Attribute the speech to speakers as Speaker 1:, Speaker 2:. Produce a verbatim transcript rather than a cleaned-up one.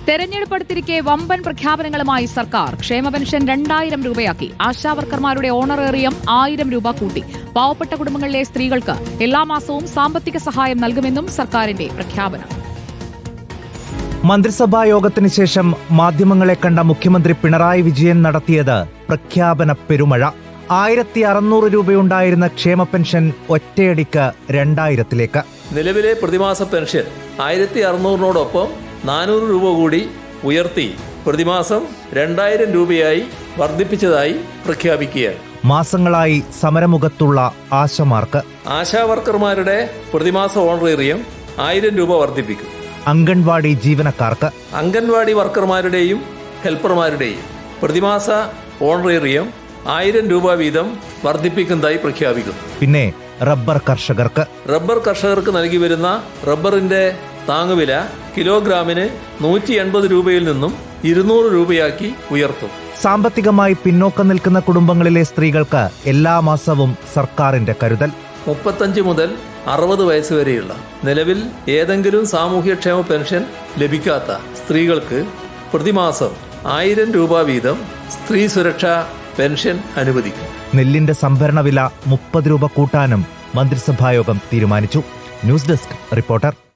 Speaker 1: തെരഞ്ഞെടുപ്പ് അടുത്തിരിക്കെ വമ്പൻ പ്രഖ്യാപനങ്ങളുമായി സർക്കാർ. ക്ഷേമ പെൻഷൻ രണ്ടായിരം രൂപയാക്കി. ആശാവർക്കർമാരുടെ ഓണറേറിയം ആയിരം രൂപ കൂട്ടി. പാവപ്പെട്ട കുടുംബങ്ങളിലെ സ്ത്രീകൾക്ക് എല്ലാ മാസവും സാമ്പത്തിക സഹായം നൽകുമെന്നും സർക്കാരിന്റെ പ്രഖ്യാപനം.
Speaker 2: മന്ത്രിസഭാ യോഗത്തിന് ശേഷം മാധ്യമങ്ങളെ കണ്ട മുഖ്യമന്ത്രി പിണറായി വിജയൻ നടത്തിയത് പ്രഖ്യാപന പെരുമഴ. ആയിരത്തി അറുന്നൂറ് രൂപയുണ്ടായിരുന്ന ക്ഷേമ പെൻഷൻ ഒറ്റയടിക്ക് രണ്ടായിരത്തിലേക്ക്.
Speaker 3: നിലവിലെ പ്രതിമാസ പെൻഷൻ ആയിരത്തി അറുന്നൂറിനോടൊപ്പം നാനൂറ് രൂപ കൂടി ഉയർത്തി പ്രതിമാസം രണ്ടായിരം രൂപയായി വർദ്ധിപ്പിച്ചതായി പ്രഖ്യാപിക്കുകയാണ്.
Speaker 2: മാസങ്ങളായി സമരമുഖത്തുള്ള ആശമാർക്ക്
Speaker 3: ആശാവർക്കർമാരുടെ പ്രതിമാസ ഓണറേറിയം ആയിരം രൂപ വർദ്ധിപ്പിക്കും.
Speaker 2: അംഗൻവാടി ജീവനക്കാർക്ക്
Speaker 3: അംഗൻവാടി വർക്കർമാരുടെയും ഹെൽപ്പർമാരുടെയും പ്രതിമാസ ഓണറേറിയം ആയിരം രൂപ വീതം വർദ്ധിപ്പിക്കുന്നതായി പ്രഖ്യാപിക്കുന്നു.
Speaker 2: പിന്നെ റബ്ബർ കർഷകർക്ക്
Speaker 3: റബ്ബർ കർഷകർക്ക് നൽകി വരുന്ന റബ്ബറിന്റെ താങ്ങുവില കിലോഗ്രാമിന് നൂറ്റി എൺപത് രൂപയിൽ നിന്നും ഇരുന്നൂറ് രൂപയാക്കി ഉയർത്തും.
Speaker 2: സാമ്പത്തികമായി പിന്നോക്കം നിൽക്കുന്ന കുടുംബങ്ങളിലെ സ്ത്രീകൾക്ക് എല്ലാ മാസവും സർക്കാരിന്റെ കരുതൽ.
Speaker 3: മുപ്പത്തഞ്ച് മുതൽ അറുപത് വയസ്സ് വരെയുള്ള നിലവിൽ ഏതെങ്കിലും സാമൂഹ്യക്ഷേമ പെൻഷൻ ലഭിക്കാത്ത സ്ത്രീകൾക്ക് പ്രതിമാസം ആയിരം രൂപ വീതം സ്ത്രീ സുരക്ഷാ പെൻഷൻ അനുവദിക്കും.
Speaker 2: നെല്ലിന്റെ സംഭരണ വില മുപ്പത് രൂപ കൂട്ടാനും മന്ത്രിസഭായോഗം തീരുമാനിച്ചു. News desk reporter.